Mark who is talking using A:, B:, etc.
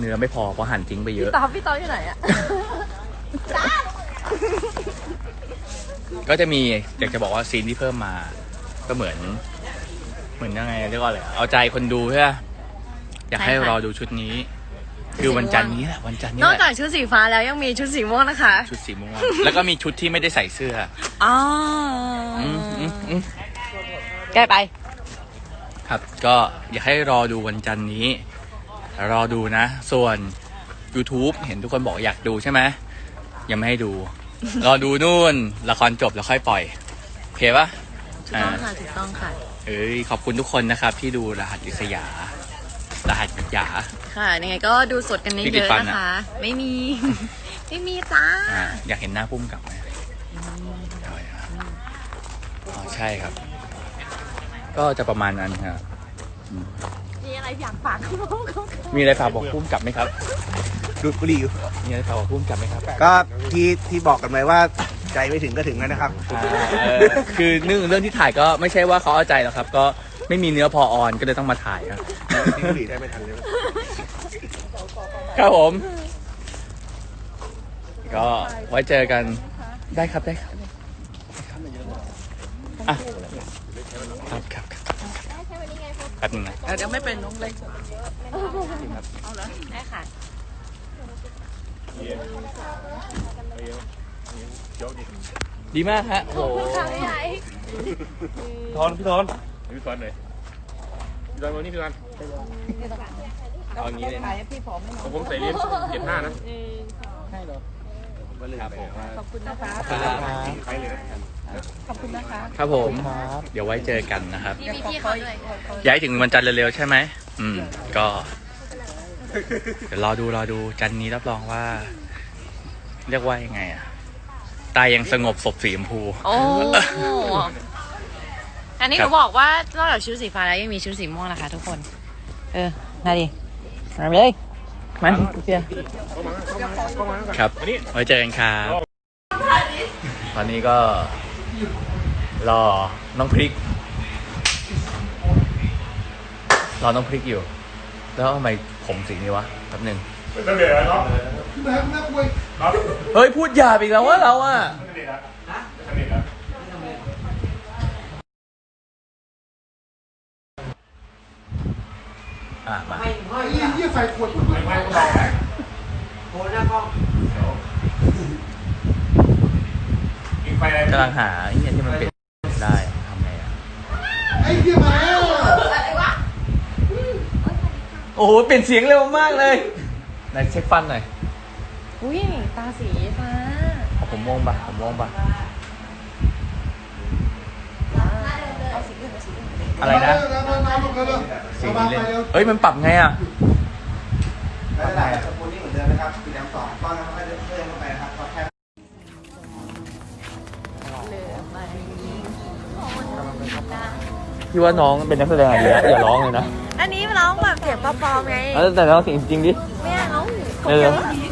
A: นื้อไม่พอเพราะหั่นทิ้งไปเยอะ
B: พี่ต๊อบอยู่ไหนอะ
A: ก็จะมีอยากจะบอกว่าซีนที่เพิ่มมาก็เหมือนยังไงเรียกว่าอะไรเอาใจคนดูใช่ไหมอยากให้รอดูชุดนี้ คือวันจันทร์นี้แหละวันจันทร์นี้
B: นอก
A: แห
B: จาก
A: ละ
B: ชุดสีฟ้าแล้วยังมีชุดสีม่วงนะคะ
A: ชุดสีม่วงแล้วก็มีชุดที่ไม่ได้ใส่เสื้อ
B: อ๋อ ใกล้ไป
A: ครับก็อยากให้รอดูวันจันทร์นี้รอดูนะ ส่วน YouTube เห็นทุกคนบอกอยากดูใช่ไหมยังไม่ให้ดู รอดูนู่นละครจบแล้วค่อยปล่อยโอเคปะ
B: ถูกต้องค่ะถูกต้องค่ะ
A: ขอบคุณทุกคนนะครับที่ดูรหัสอิสยารหัสหยา
B: ค่ะยังไงก็ดูสดกัน
A: พี่
B: เย
A: ติด
B: อะ
A: ฟัน
B: ๆ
A: อะ
B: นะคะ ไม่มี ไม่มีจ้า
A: อยากเห็นหน้าพุ่มกลับไหมอ๋อใช่ครับ ก็จะประมาณนั้นครับ
B: มีอะไรอยากฝากเขา
A: มีอะไรฝากบอกพุ่มกลับไหมครับ
C: ดูดบุหรี่อยู่
A: มีอะไรฝากบอกพุ่มกลับไหมครับ
C: ก็ที่บอกกันไว้ว่าใจไม่ถึงก็ถึงแล้วนะครับ
A: คือเรื่องที่ถ่ายก็ไม่ใช่ว่าเขาเอาใจหรอกครับ ก็ไม่มีเนื้อพอออนก็เลยต้องมาถ่ายครับ
C: ทิ้งบุหรี่ได้ไม่ทันเลย
A: ครับผม ก็ไว้เจอกันได้ครับได้ครับอ่ะครับแป๊บนึงนะ
B: เดี๋ยวไม่เป็นน้องเล็กเอาเลยได้ค่ะ
A: ดีมากฮะโอ้โห
D: พี่ทอนหน่อยพี่ทอนวันนี้พี่ทอน
A: เอาอย่างนี้เลยนะ
D: ผมใส่เลี้ยง75นะ
A: ครับผม
B: ขอบคุณนะคะ
D: ไปเลยนะ
B: ขอบคุณนะคะ
A: ครับผม เดี๋ยวไว้เจอกันนะครับ
B: พี่มีพี่เขาด้วย
A: ย้ายถึงวันจันทร์เร็วๆใช่ไหมก็ เดี๋ยวรอดูจันทร์นี้รับรองว่า เรียกว่ายังไงอะตายยังสงบศพสีชมพู
B: โอ้อันนี้หนูบอกว่านอกจากชุดสีฟ้าแล้วยังมีชุดสีม่วงนะคะทุกคน มาดิมาเลยมันเพีย
A: ครับไว้เจอกันครับตอนนี้ก็รอน้องพริกอยู่ แล้วทำไมผมสีนี้วะแป๊บนึงเฮ้ยพูดหยาบอีกแล้วว่าเราอะมา กำลังหาไอ้เนี่ยที่มันเป็นได้ทำไงอ่ะโอ้โหเปลี่ยนเสียงเร็วมากเลยไหนเช็คฟันหน่อย
B: อุ้ยตาสีฟ้า
A: เอาผมม่วงปะอะไรนะสีนี้เล่นเฮ้ยมันปรับไงอ่ะ
C: ไม่เป็นไรสปูนนี่เหมือนเดิมนะครับสีแดงสองก้อนน้ำมันก็เพิ่มเข้าไปนะครับก็แค่
A: พี่ว่าน้องเป็นนักแสดงอะไรอย่าร้องเลยนะ
B: อันนี้ร้องแบบเสียงปลอมๆไง
A: แต่ร้องเสียงจริงดิ
B: ไม่เอา
A: เออ